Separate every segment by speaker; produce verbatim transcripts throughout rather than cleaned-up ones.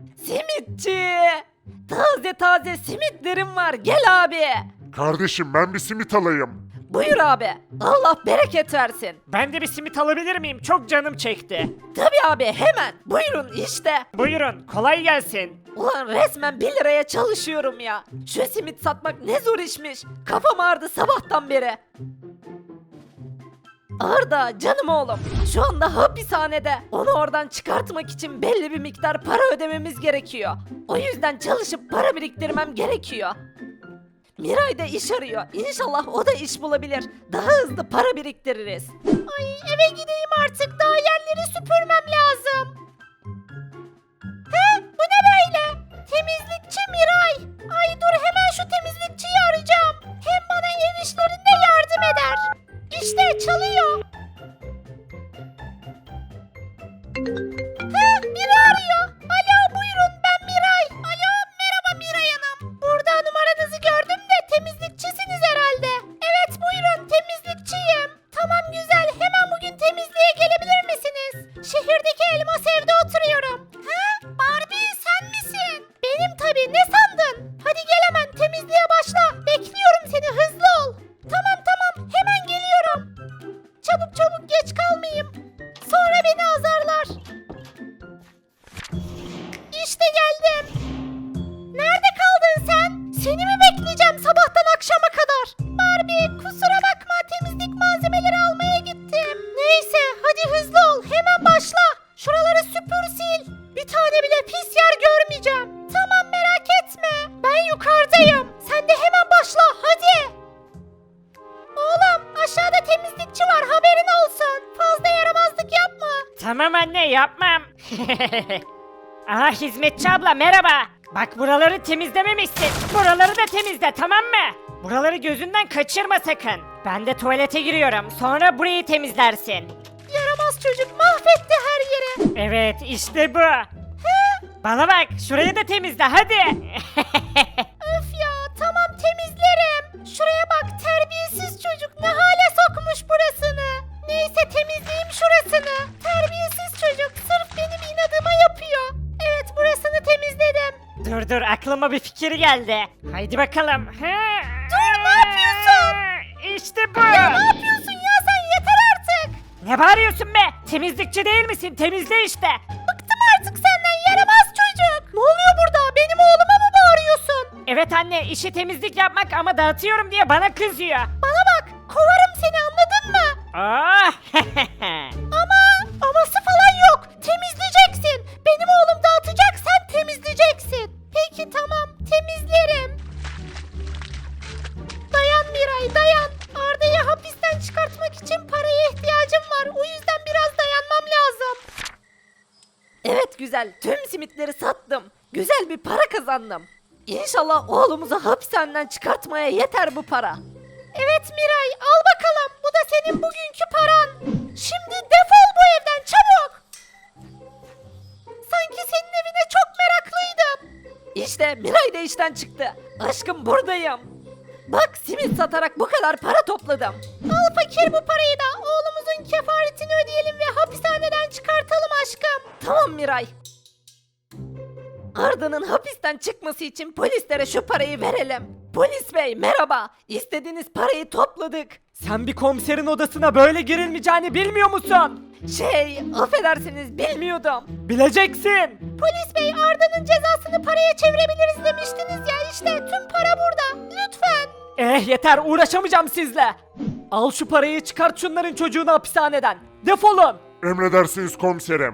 Speaker 1: Simitçi. Taze taze simitlerim var, gel abi.
Speaker 2: Kardeşim ben bir simit alayım.
Speaker 1: Buyur abi. Allah bereket versin.
Speaker 3: Ben de bir simit alabilir miyim? Çok canım çekti.
Speaker 1: Tabii abi, hemen. Buyurun işte.
Speaker 3: Buyurun, kolay gelsin.
Speaker 1: Ulan resmen bir liraya çalışıyorum ya. Şu simit satmak ne zor işmiş. Kafam ağrıdı sabahtan beri. Arda canım oğlum, şu anda hapishanede. Onu oradan çıkartmak için belli bir miktar para ödememiz gerekiyor. O yüzden çalışıp para biriktirmem gerekiyor. Miray da iş arıyor. İnşallah o da iş bulabilir. Daha hızlı para biriktiririz. Ay eve gideyim artık. Daha yerleri süpürmem lazım. He, bu ne böyle? Temizlikçi Miray. Ay dur, hemen şu temizlikçiyi arayacağım. Hem bana ev işlerinde yardım eder. İşte çalıyor. He, biri arıyor. Alo buyurun, ben Miray. Alo merhaba Miray Hanım. Burada numaranızı gördüm de temizlikçisiniz herhalde. Evet buyurun, temizlikçiyim. Tamam güzel, hemen bugün temizliğe gelebilir misiniz? Şehirdeki elmas evde oturuyorum. He, Barbie sen misin? Benim tabii, ne sandın? Hadi gel hemen temizliğe başla. Bekliyorum seni, hızlı ol. Tamam tamam, hemen geliyorum. Çabuk çabuk, geç kalmayayım. Sonra beni azarlar. İşte geldim. Nerede kaldın sen? Seni mi bekleyeceğim sabahtan akşama kadar? Barbie kusura bakma, temizlik malzemeleri almaya gittim. Neyse hadi hızlı ol, hemen başla. Şuraları süpür sil. Bir tane bile pis yer görmeyeceğim. Tamam merak etme. Ben yukarıdayım. Sen de hemen başla hadi. Oğlum aşağıda temizlikçi var, haberin olsun. Fazla yaramazlık yapma.
Speaker 3: Tamam anne, yapmam. Aha, hizmetçi abla merhaba. Bak buraları temizlememişsin. Buraları da temizle, tamam mı? Buraları gözünden kaçırma sakın. Ben de tuvalete giriyorum. Sonra burayı temizlersin.
Speaker 1: Yaramaz çocuk mahvetti her yeri.
Speaker 3: Evet, işte bu. Bana bak, şurayı da temizle hadi.
Speaker 1: Öf ya, tamam temizlerim. Şuraya bak, terbiyesiz çocuk ne hale sokmuş burasını. Neyse temizleyeyim şurasını. Terbiyesiz çocuk sırf benim inadıma yapıyor. Evet, burasını temizledim.
Speaker 3: Dur dur, aklıma bir fikir geldi. Haydi bakalım.
Speaker 1: Dur, ne yapıyorsun?
Speaker 3: İşte bu.
Speaker 1: Ya ne yapıyorsun ya sen, yeter artık.
Speaker 3: Ne bağırıyorsun be? Temizlikçi değil misin? Temizle işte.
Speaker 1: Bıktım artık senden yaramaz çocuk. Ne oluyor burada, benim oğluma mı bağırıyorsun?
Speaker 3: Evet anne, işi temizlik yapmak ama dağıtıyorum diye bana kızıyor.
Speaker 1: Bana bak, kovarım seni, anladın mı?
Speaker 3: Oh.
Speaker 1: Ama aması falan yok. Temizleyeceksin. Benim oğlum dağıtacak, sen temizleyeceksin. Peki tamam, temizlerim. Dayan Miray, dayan. Arda'yı hapisten çıkartmak için paraya ihtiyacım var. O yüzden biraz dayanmam lazım. Evet güzel, tüm simitleri sattım. Güzel bir para kazandım. İnşallah oğlumuzu hapishaneden çıkartmaya yeter bu para. Evet Miray, al bakalım. Bu da senin bugünkü paran. Şimdi defol bu evden çabuk. Sanki senin evine çok meraklıydım. İşte Miray da işten çıktı. Aşkım buradayım. Bak simit satarak bu kadar para topladım. Al fakir bu parayı da. Oğlumuzun kefaretini ödeyelim ve hapishaneden çıkartalım aşkım. Tamam Miray. Arda'nın hapisten çıkması için polislere şu parayı verelim. Polis bey merhaba. İstediğiniz parayı topladık.
Speaker 3: Sen bir komiserin odasına böyle girilmeyeceğini bilmiyor musun?
Speaker 1: Şey, affedersiniz bilmiyordum.
Speaker 3: Bileceksin.
Speaker 1: Polis bey Arda'nın cezasını paraya çevirebiliriz demiştiniz ya, işte tüm para burada. Lütfen.
Speaker 3: Eh yeter, uğraşamayacağım sizle. Al şu parayı, çıkart şunların çocuğunu hapishaneden. Defolun.
Speaker 2: Emredersiniz komiserim.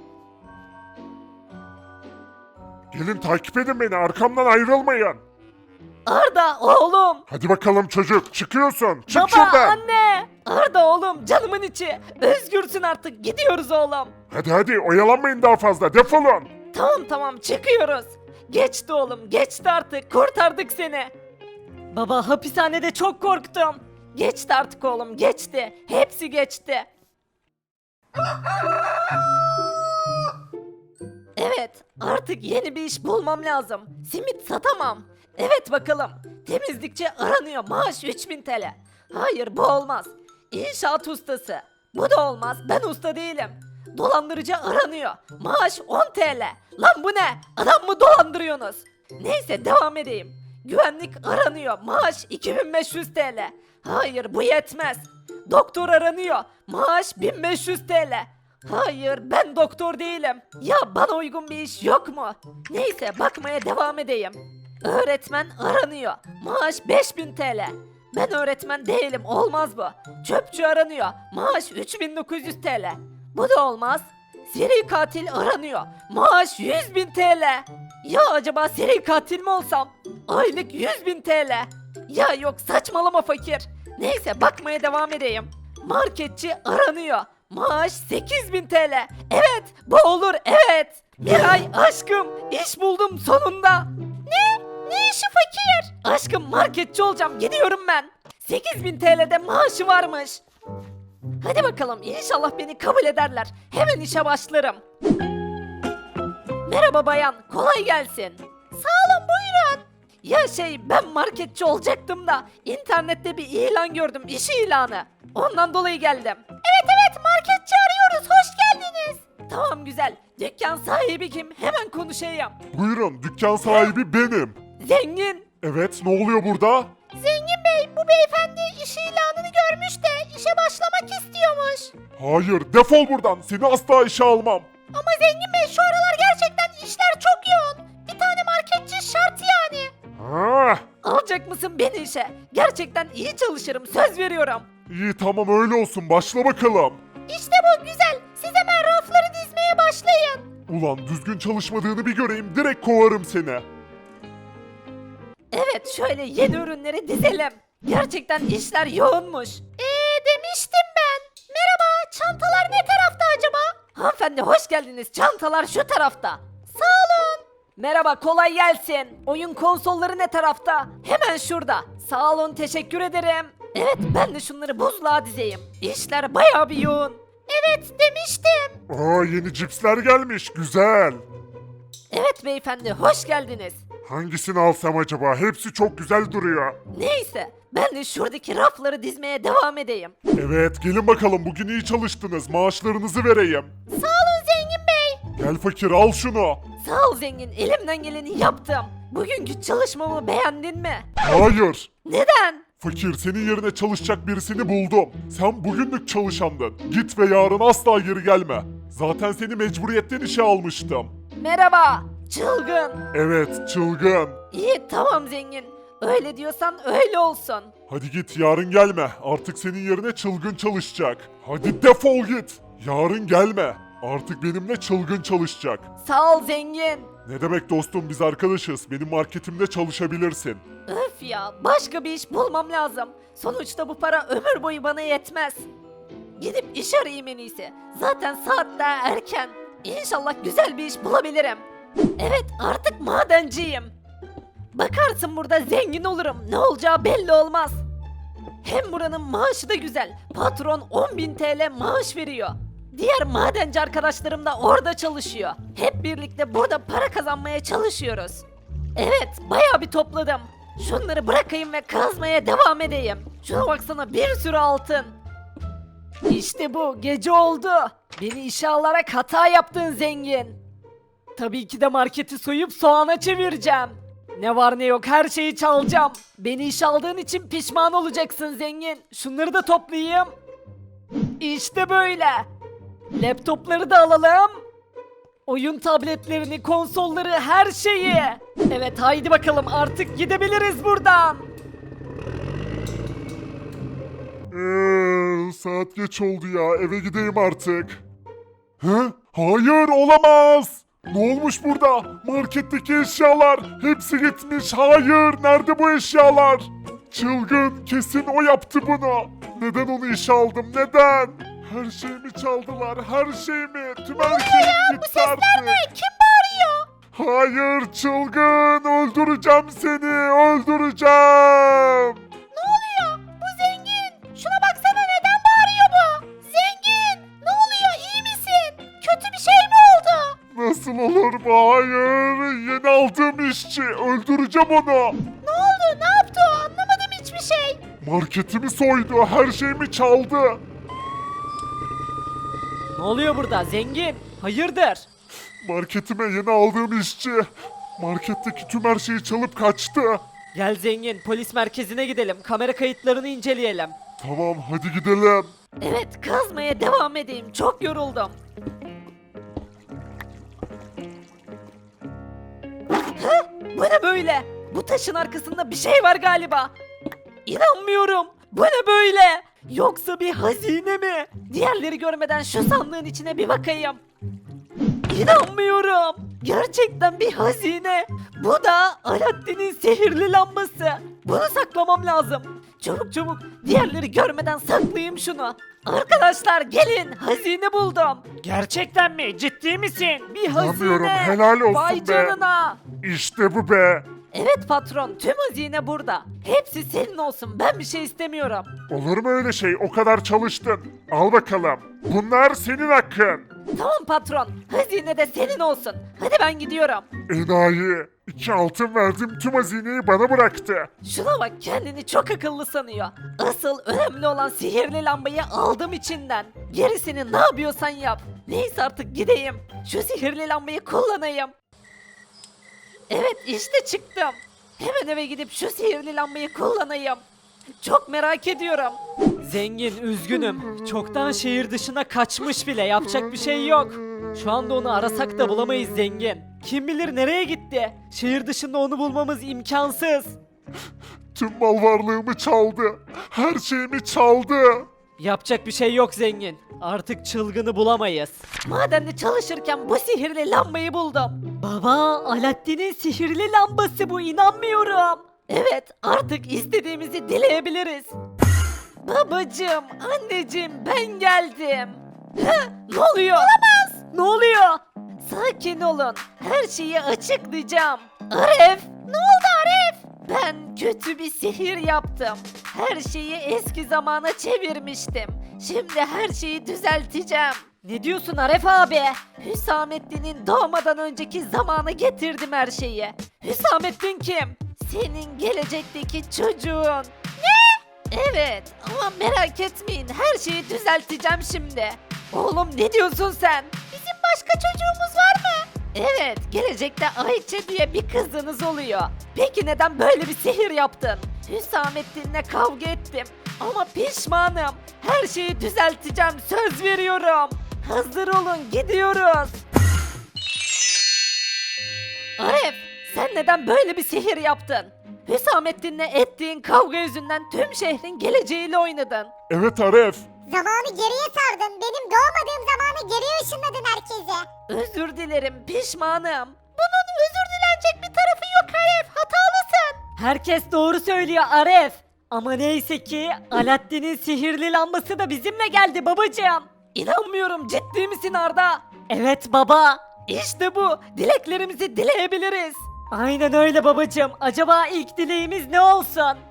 Speaker 2: Gelin takip edin beni, arkamdan ayrılmayın.
Speaker 1: Arda oğlum.
Speaker 2: Hadi bakalım çocuk, çıkıyorsun. Çık
Speaker 1: Baba,
Speaker 2: şuradan.
Speaker 1: anne. Arda oğlum, canımın içi. Özgürsün artık, gidiyoruz oğlum.
Speaker 2: Hadi hadi, oyalanmayın daha fazla, defolun.
Speaker 1: Tamam tamam, çıkıyoruz. Geçti oğlum, geçti artık, kurtardık seni.
Speaker 3: Baba, hapishanede çok korktum.
Speaker 1: Geçti artık oğlum, geçti. Hepsi geçti. Evet, artık yeni bir iş bulmam lazım. Simit satamam. Evet bakalım. Temizlikçi aranıyor. Maaş üç bin T L. Hayır bu olmaz. İnşaat ustası. Bu da olmaz. Ben usta değilim.
Speaker 4: Dolandırıcı aranıyor. Maaş on T L. Lan bu ne? Adam mı dolandırıyorsunuz? Neyse devam edeyim. Güvenlik aranıyor. Maaş iki bin beş yüz T L. Hayır bu yetmez. Doktor aranıyor. Maaş bin beş yüz T L. Hayır ben doktor değilim. Ya bana uygun bir iş yok mu? Neyse bakmaya devam edeyim. Öğretmen aranıyor. Maaş beş bin T L. Ben öğretmen değilim olmaz bu. Çöpçü aranıyor. Maaş üç bin dokuz yüz T L. Bu da olmaz. Seri katil aranıyor. Maaş yüz bin T L. Ya acaba seri katil mi olsam? Aylık yüz bin T L. Ya yok saçmalama fakir. Neyse bakmaya devam edeyim. Marketçi aranıyor. Maaş sekiz bin T L. Evet bu olur evet. Miray aşkım iş buldum sonunda. Ne? Ne işi fakir? Aşkım marketçi olacağım gidiyorum ben. sekiz bin T L'de maaşı varmış. Hadi bakalım inşallah beni kabul ederler. Hemen işe başlarım. Merhaba bayan kolay gelsin. Sağ olun buyurun. Ya şey ben marketçi olacaktım da internette bir ilan gördüm iş ilanı. Ondan dolayı geldim. Evet evet marketçi arıyoruz hoş geldiniz. Tamam güzel. Dükkan sahibi kim? Hemen konuşayım.
Speaker 2: Buyurun, dükkan sahibi benim.
Speaker 4: Zengin.
Speaker 2: Evet, ne oluyor burada?
Speaker 1: Zengin Bey bu beyefendi iş ilanını görmüş de işe başlamak istiyormuş.
Speaker 2: Hayır, defol buradan. Seni asla işe almam.
Speaker 1: Ama Zengin Bey şu aralar gerçekten işler çok yoğun. Bir tane marketçi şart yani.
Speaker 2: Ha,
Speaker 4: Alacak mısın beni işe? Gerçekten iyi çalışırım söz veriyorum.
Speaker 2: iyi tamam öyle olsun. Başla bakalım.
Speaker 1: İşte bu güzel. Siz hemen rafları dizmeye başlayın.
Speaker 2: Ulan düzgün çalışmadığını bir göreyim. Direkt kovarım seni.
Speaker 4: Evet şöyle yeni ürünleri dizelim. Gerçekten işler yoğunmuş.
Speaker 1: Eee demiştim ben. Merhaba çantalar ne tarafta acaba?
Speaker 4: Hanımefendi hoş geldiniz. Çantalar şu tarafta.
Speaker 1: Sağ olun.
Speaker 4: Merhaba kolay gelsin. Oyun konsolları ne tarafta? Hemen şurada. Sağ olun teşekkür ederim. Evet ben de şunları buzluğa dizeyim. İşler bayağı bir yoğun.
Speaker 1: Evet demiştim.
Speaker 2: Aa, yeni cipsler gelmiş. Güzel.
Speaker 4: Evet beyefendi hoş geldiniz.
Speaker 2: Hangisini alsam acaba? Hepsi çok güzel duruyor.
Speaker 4: Neyse ben de şuradaki rafları dizmeye devam edeyim.
Speaker 2: Evet, gelin bakalım. Bugün iyi çalıştınız. Maaşlarınızı vereyim.
Speaker 1: Sağ olun Zengin Bey.
Speaker 2: Gel fakir, al şunu.
Speaker 4: Sağ ol zengin elimden geleni yaptım. Bugünkü çalışmamı beğendin mi?
Speaker 2: Hayır.
Speaker 4: Neden?
Speaker 2: Fakir, senin yerine çalışacak birisini buldum. Sen bugünlük çalışandın. Git ve yarın asla geri gelme. Zaten seni mecburiyetten işe almıştım.
Speaker 4: Merhaba. Çılgın.
Speaker 2: Evet, çılgın.
Speaker 4: İyi tamam zengin. Öyle diyorsan öyle olsun.
Speaker 2: Hadi git, yarın gelme. Artık senin yerine çılgın çalışacak. Hadi defol git. Yarın gelme. Artık benimle çılgın çalışacak.
Speaker 4: Sağ ol zengin.
Speaker 2: Ne demek dostum, biz arkadaşız. Benim marketimde çalışabilirsin.
Speaker 4: Öf ya başka bir iş bulmam lazım. Sonuçta bu para ömür boyu bana yetmez. Gidip iş arayayım en iyisi. Zaten saat daha erken. İnşallah güzel bir iş bulabilirim. Evet artık madenciyim. Bakarsın burada zengin olurum. Ne olacağı belli olmaz. Hem buranın maaşı da güzel. Patron on bin T L maaş veriyor. Diğer madenci arkadaşlarım da orada çalışıyor. Hep birlikte burada para kazanmaya çalışıyoruz. Evet, bayağı bir topladım. Şunları bırakayım ve kazmaya devam edeyim. Şuna baksana bir sürü altın. İşte bu, gece oldu. Beni işe alarak hata yaptın zengin. Tabii ki de marketi soyup soğana çevireceğim. Ne var ne yok her şeyi çalacağım. Beni işe aldığın için pişman olacaksın zengin. Şunları da toplayayım. İşte böyle. Laptopları da alalım. Oyun tabletlerini, konsolları, her şeyi. Evet haydi bakalım artık gidebiliriz buradan.
Speaker 2: Eee, saat geç oldu ya. Eve gideyim artık. Hı? Hayır, olamaz. Ne olmuş burada? Marketteki eşyalar hepsi gitmiş. Hayır, nerede bu eşyalar? Çılgın, kesin o yaptı bunu. Neden onu işe aldım? Neden? Her şeyimi çaldılar. Her şeyimi. Tüm her şeyim gitti artık.
Speaker 1: Kim bağırıyor?
Speaker 2: Hayır, çılgın. Öldüreceğim seni. Öldüreceğim.
Speaker 1: Ne oluyor? Bu zengin. Şuna baksana neden bağırıyor bu? Zengin. Ne oluyor? İyi misin? Kötü bir şey mi oldu?
Speaker 2: Nasıl olur bu? Hayır. Yeni aldığım işçi. Öldüreceğim onu.
Speaker 1: Ne oldu? Ne yaptı o? Anlamadım hiçbir şey.
Speaker 2: Marketimi soydu. Her şeyimi çaldı.
Speaker 4: Ne oluyor burada zengin? Hayırdır?
Speaker 2: Marketime yeni aldığım işçi. Marketteki tüm her şeyi çalıp kaçtı.
Speaker 4: Gel zengin polis merkezine gidelim. Kamera kayıtlarını inceleyelim.
Speaker 2: Tamam hadi gidelim.
Speaker 4: Evet kazmaya devam edeyim. Çok yoruldum. Hı? Bu ne böyle? Bu taşın arkasında bir şey var galiba. İnanmıyorum. Bu ne böyle? Yoksa bir hazine mi? Diğerleri görmeden şu sandığın içine bir bakayım. İnanmıyorum. Gerçekten bir hazine. Bu da Alaaddin'in sihirli lambası. Bunu saklamam lazım. Çabuk çabuk diğerleri görmeden saklayayım şunu. Arkadaşlar gelin hazine buldum.
Speaker 3: Gerçekten mi? Ciddi misin?
Speaker 4: Bir hazine.
Speaker 2: İnanmıyorum, helal olsun
Speaker 4: Vay
Speaker 2: be.
Speaker 4: canına.
Speaker 2: İşte bu be.
Speaker 4: Evet patron tüm hazine burada. Hepsi senin olsun ben bir şey istemiyorum.
Speaker 2: Olur mu öyle şey? O kadar çalıştın. Al bakalım. Bunlar senin hakkın.
Speaker 4: Tamam patron hazine de senin olsun. Hadi ben gidiyorum.
Speaker 2: Enayi. İki altın verdim tüm hazineyi bana bıraktı.
Speaker 4: Şuna bak kendini çok akıllı sanıyor. Asıl önemli olan sihirli lambayı aldım içinden. Gerisini ne yapıyorsan yap. Neyse artık gideyim. Şu sihirli lambayı kullanayım. Evet işte çıktım. Hemen eve gidip şu sihirli lambayı kullanayım. Çok merak ediyorum. Zengin üzgünüm. Çoktan şehir dışına kaçmış bile. Yapacak bir şey yok. Şu anda onu arasak da bulamayız zengin. Kim bilir nereye gitti? Şehir dışında onu bulmamız imkansız.
Speaker 2: Tüm mal varlığımı çaldı. Her şeyimi çaldı.
Speaker 4: Yapacak bir şey yok zengin. Artık çılgını bulamayız. Madende çalışırken bu sihirli lambayı buldum. Baba, Alaaddin'in sihirli lambası bu inanmıyorum. Evet, artık istediğimizi dileyebiliriz. Babacım, anneciğim ben geldim. Hı, ne oluyor? Olamaz. Ne oluyor? Sakin olun. Her şeyi açıklayacağım. Aref! Ne oldu Aref? Ben kötü bir sihir yaptım. Her şeyi eski zamana çevirmiştim. Şimdi her şeyi düzelteceğim. Ne diyorsun Aref abi? Hüsamettin'in doğmadan önceki zamana getirdim her şeyi. Hüsamettin kim? Senin gelecekteki çocuğun. Ne? Evet ama merak etmeyin her şeyi düzelteceğim şimdi. Oğlum ne diyorsun sen? Bizim başka çocuğumuz var mı? Evet, gelecekte Ayça diye bir kızınız oluyor. Peki neden böyle bir sihir yaptın? Hüsamettin'le kavga ettim ama pişmanım. Her şeyi düzelteceğim, söz veriyorum. Hazır olun, gidiyoruz. Aref, sen neden böyle bir sihir yaptın? Hüsamettin'le ettiğin kavga yüzünden tüm şehrin geleceğiyle oynadın.
Speaker 2: Evet Aref.
Speaker 1: Zamanı geriye sardın. Benim doğmadığım zamanı geriye ışınladın herkese.
Speaker 4: Özür dilerim, pişmanım.
Speaker 1: Bunun özür dilenecek bir tarafı yok Aref. Hatalısın.
Speaker 4: Herkes doğru söylüyor Aref. Ama neyse ki Alaaddin'in sihirli lambası da bizimle geldi babacığım. İnanmıyorum ciddi misin Arda? Evet baba. İşte bu. Dileklerimizi dileyebiliriz. Aynen öyle babacığım. Acaba ilk dileğimiz ne olsun?